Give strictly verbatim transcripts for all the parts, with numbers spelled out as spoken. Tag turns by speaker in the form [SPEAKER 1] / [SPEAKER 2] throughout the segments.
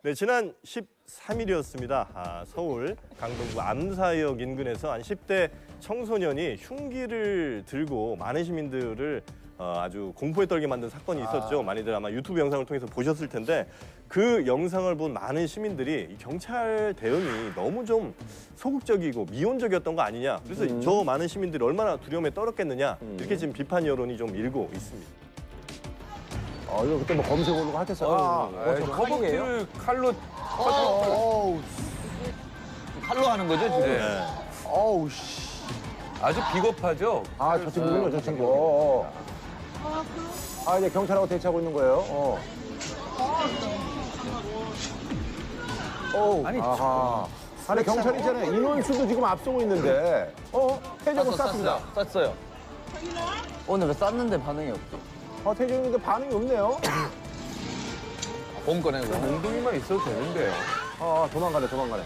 [SPEAKER 1] 네, 지난 십삼 일이었습니다. 아, 서울 강동구 암사역 인근에서 한 십 대 청소년이 흉기를 들고 많은 시민들을 어, 아주 공포에 떨게 만든 사건이 있었죠. 아. 많이들 아마 유튜브 영상을 통해서 보셨을 텐데 그 영상을 본 많은 시민들이 이 경찰 대응이 너무 좀 소극적이고 미온적이었던 거 아니냐. 그래서 음. 저 많은 시민들이 얼마나 두려움에 떨었겠느냐. 음. 이렇게 지금 비판 여론이 좀 일고 있습니다.
[SPEAKER 2] 어, 이거 그때 뭐 검색어로 하겠어요. 아,
[SPEAKER 3] 아, 저 허벅지를 칼로
[SPEAKER 2] 어, 어,
[SPEAKER 3] 칼로 하는 거죠, 지금?
[SPEAKER 1] 네.
[SPEAKER 2] 어우, 씨.
[SPEAKER 3] 아주 비겁하죠?
[SPEAKER 2] 아, 저 친구군요, 저 친구. 어, 어. 아, 이제 경찰하고 대치하고 있는 거예요. 어. 어, 아니, 아하. 아니, 경찰 있잖아요. 인원수도 지금 앞서고 있는데. 어, 태적은 쐈습니다.
[SPEAKER 3] 쐈어요. 오늘 왜 쐈는데 반응이 없죠?
[SPEAKER 2] 어, 태적인데 반응이 없네요.
[SPEAKER 3] 봄 꺼내고. 몽둥이만 있어도 되는데요.
[SPEAKER 2] 어, 도망가네, 도망가네.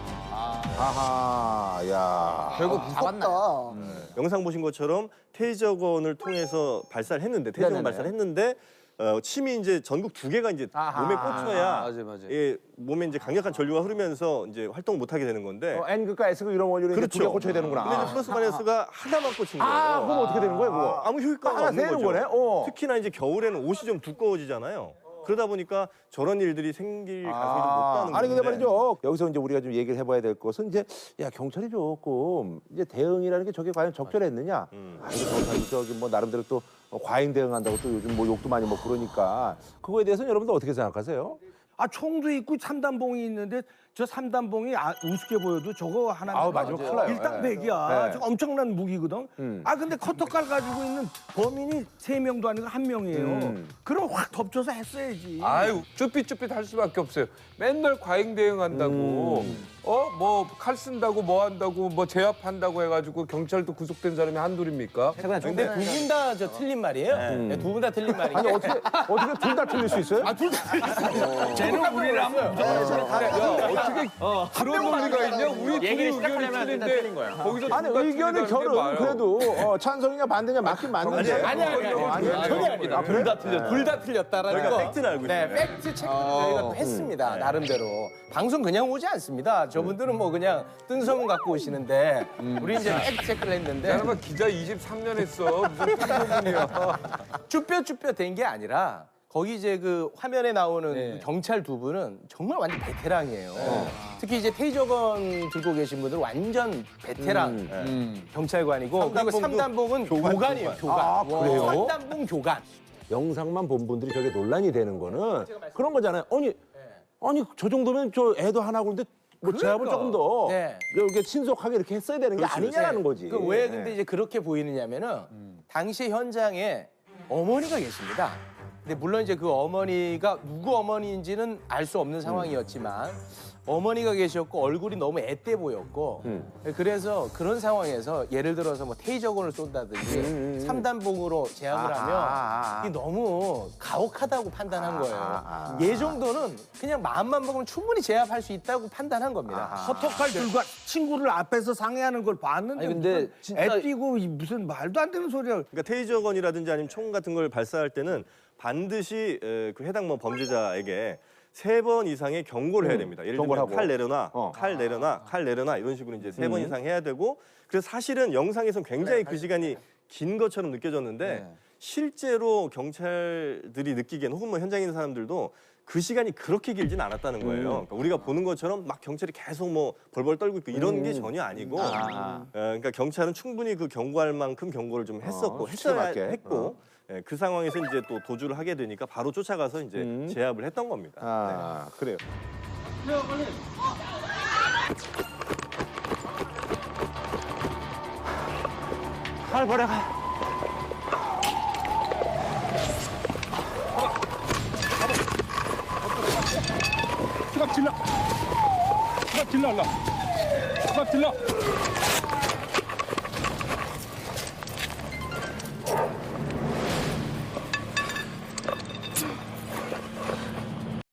[SPEAKER 2] 아하, 야.
[SPEAKER 3] 결국 잡았나?
[SPEAKER 1] 영상 보신 것처럼 테이저건을 통해서 발사를 했는데 테이저건
[SPEAKER 2] 네네네.
[SPEAKER 1] 발사를 했는데 어, 침이 이제 전국 두 개가 이제
[SPEAKER 2] 아하.
[SPEAKER 1] 몸에 꽂혀야
[SPEAKER 3] 아, 맞아요, 맞아요.
[SPEAKER 1] 예, 몸에 이제 강력한 전류가 흐르면서 이제 활동을 못 하게 되는 건데.
[SPEAKER 2] 어, N극과 S극 이런 원료를
[SPEAKER 1] 그렇죠.
[SPEAKER 2] 두개 꽂혀야 되는구나.
[SPEAKER 1] 근데 이제 플러스 마이너스가 하나만 꽂힌 거예요.
[SPEAKER 2] 아, 그럼 어떻게 되는 거예요, 그거?
[SPEAKER 1] 아, 아무 효과가
[SPEAKER 2] 하나
[SPEAKER 1] 없는
[SPEAKER 2] 새는
[SPEAKER 1] 거죠.
[SPEAKER 2] 거네? 어.
[SPEAKER 1] 특히나 이제 겨울에는 옷이 좀 두꺼워지잖아요. 그러다 보니까 저런 일들이 생길 가능성이 좀 높다는 거죠.
[SPEAKER 2] 아니 근데 말이죠. 여기서 이제 우리가 좀 얘기를 해봐야 될 것은 이제 야 경찰이 조금 이제 대응이라는 게 저게 과연 적절했느냐?
[SPEAKER 1] 음.
[SPEAKER 2] 아 이거 경찰이 저기 뭐 나름대로 또 과잉 대응한다고 또 요즘 뭐 욕도 많이 먹고 그러니까 그거에 대해서는 여러분들 어떻게 생각하세요?
[SPEAKER 4] 아 총도 있고 삼단봉이 있는데 저 삼단봉이 아, 우습게 보여도 저거 하나
[SPEAKER 2] 아우, 맞아요. 큰일 나요.
[SPEAKER 4] 일당백이야.
[SPEAKER 2] 네.
[SPEAKER 4] 저거 엄청난 무기거든.
[SPEAKER 2] 음.
[SPEAKER 4] 아 근데 커터칼 가지고 있는 범인이 세 명도 아니고 한 명이에요.
[SPEAKER 2] 음.
[SPEAKER 4] 그럼 확 덮쳐서 했어야지.
[SPEAKER 3] 아유, 쭈삣쭈삣 할 수밖에 없어요. 맨날 과잉 대응한다고, 어, 뭐, 칼 쓴다고, 뭐 한다고, 뭐 제압한다고 해가지고 경찰도 구속된 사람이 한둘입니까?
[SPEAKER 5] 근데 두 분 다 저 틀린 말이에요. 네, 두 분 다 틀린 말이에요.
[SPEAKER 2] 아니 어떻게 어떻게 둘 다 틀릴 수 있어요?
[SPEAKER 4] 아, 둘 다 틀렸어. 쟤는 우리랑
[SPEAKER 3] 어떻게 그런 논리가 있냐? 우리 둘이
[SPEAKER 5] 얘기를
[SPEAKER 3] 의견이
[SPEAKER 5] 시작하려면 일단
[SPEAKER 3] 틀린데
[SPEAKER 5] 틀린 거예요.
[SPEAKER 3] 거기서
[SPEAKER 2] 아니
[SPEAKER 3] 둘다
[SPEAKER 2] 의견의
[SPEAKER 3] 틀리다는 게
[SPEAKER 2] 결은
[SPEAKER 3] 봐요.
[SPEAKER 2] 그래도 어, 찬성이냐 반대냐 맞긴 맞는데.
[SPEAKER 1] 아니에요.
[SPEAKER 5] 아니 아니 아니.
[SPEAKER 2] 아니에요?
[SPEAKER 5] 전혀 아닙니다.
[SPEAKER 2] 아, 그래?
[SPEAKER 5] 둘 다 틀려. 둘 다 틀렸다라는
[SPEAKER 1] 저희가
[SPEAKER 5] 거.
[SPEAKER 1] 팩트는 알고
[SPEAKER 5] 네,
[SPEAKER 1] 있어요.
[SPEAKER 5] 팩트 체크 저희가 또 했습니다. 나름대로. 방송 그냥 오지 않습니다. 저분들은 뭐 그냥 뜬 소문 갖고 오시는데 우리 이제 팩트 체크를 했는데
[SPEAKER 3] 사람아 기자 이십삼 년 했어. 무슨 판소문이야.
[SPEAKER 5] 쭈뼛쭈뼛 된 게 아니라 거기 이제 그 화면에 나오는
[SPEAKER 3] 네.
[SPEAKER 5] 그 경찰 두 분은 정말 완전 베테랑이에요. 특히 이제 테이저건 들고 계신 분들 완전 베테랑
[SPEAKER 3] 음.
[SPEAKER 5] 경찰관이고 그리고
[SPEAKER 1] 삼단봉도
[SPEAKER 5] 삼단봉은
[SPEAKER 1] 교관,
[SPEAKER 5] 교관이에요. 교관.
[SPEAKER 2] 아, 그래요?
[SPEAKER 5] 삼단봉 교관.
[SPEAKER 2] 영상만 본 분들이 저게 논란이 되는 거는 그런 거잖아요. 아니 아니 저 정도면 저 애도 하나 그런데 뭐 제압을 조금 더
[SPEAKER 5] 네.
[SPEAKER 2] 이렇게 신속하게 이렇게 했어야 되는 게 아니냐라는 거지.
[SPEAKER 5] 그 왜
[SPEAKER 2] 네.
[SPEAKER 5] 근데 이제 그렇게 보이느냐면은 당시 현장에 어머니가 계십니다. 근데 물론 이제 그 어머니가 누구 어머니인지는 알 수 없는 상황이었지만 어머니가 계셨고 얼굴이 너무 앳돼 보였고 그래서 그런 상황에서 예를 들어서 뭐 테이저건을 쏜다든지 삼단봉으로 제압을
[SPEAKER 2] 아하,
[SPEAKER 5] 하면
[SPEAKER 2] 아하.
[SPEAKER 5] 이게 너무 가혹하다고 판단한 거예요.
[SPEAKER 2] 아하.
[SPEAKER 5] 얘 정도는 그냥 마음만 먹으면 충분히 제압할 수 있다고 판단한 겁니다.
[SPEAKER 4] 커터칼 들고 친구를 앞에서 상해하는 걸 봤는데
[SPEAKER 3] 아니, 근데
[SPEAKER 4] 무슨
[SPEAKER 3] 진짜-
[SPEAKER 4] 애 뛰고 이 무슨 말도 안 되는 소리야.
[SPEAKER 1] 그러니까 테이저건이라든지 아니면 총 같은 걸 발사할 때는 반드시 에, 그 해당 뭐 범죄자에게 세 번 이상의 경고를 해야 됩니다. 예를
[SPEAKER 2] 경고를
[SPEAKER 1] 들면
[SPEAKER 2] 하고.
[SPEAKER 1] 칼 내려놔,
[SPEAKER 2] 어.
[SPEAKER 1] 칼 내려놔, 칼 내려놔 이런 식으로 이제 세 번 이상 해야 되고 그래서 사실은 영상에선 굉장히 그 시간이 긴 것처럼 느껴졌는데 실제로 경찰들이 느끼기에는 혹은 뭐 현장에 있는 사람들도 그 시간이 그렇게 길진 않았다는 거예요. 그러니까 우리가 보는 것처럼 막 경찰이 계속 뭐 벌벌 떨고 있고 이런 게 전혀 아니고 어, 그러니까 경찰은 충분히 그 경고할 만큼 경고를 좀 했었고
[SPEAKER 2] 어,
[SPEAKER 1] 했어야
[SPEAKER 2] 수치에 맞게.
[SPEAKER 1] 했고 예, 그 상황에서 이제 또 도주를 하게 되니까 바로 쫓아가서 이제
[SPEAKER 2] 음.
[SPEAKER 1] 제압을 했던 겁니다.
[SPEAKER 2] 아 그래요. 칼 버려 가.
[SPEAKER 6] 수갑 질러. 수갑 질러, 일로. 수갑 질러.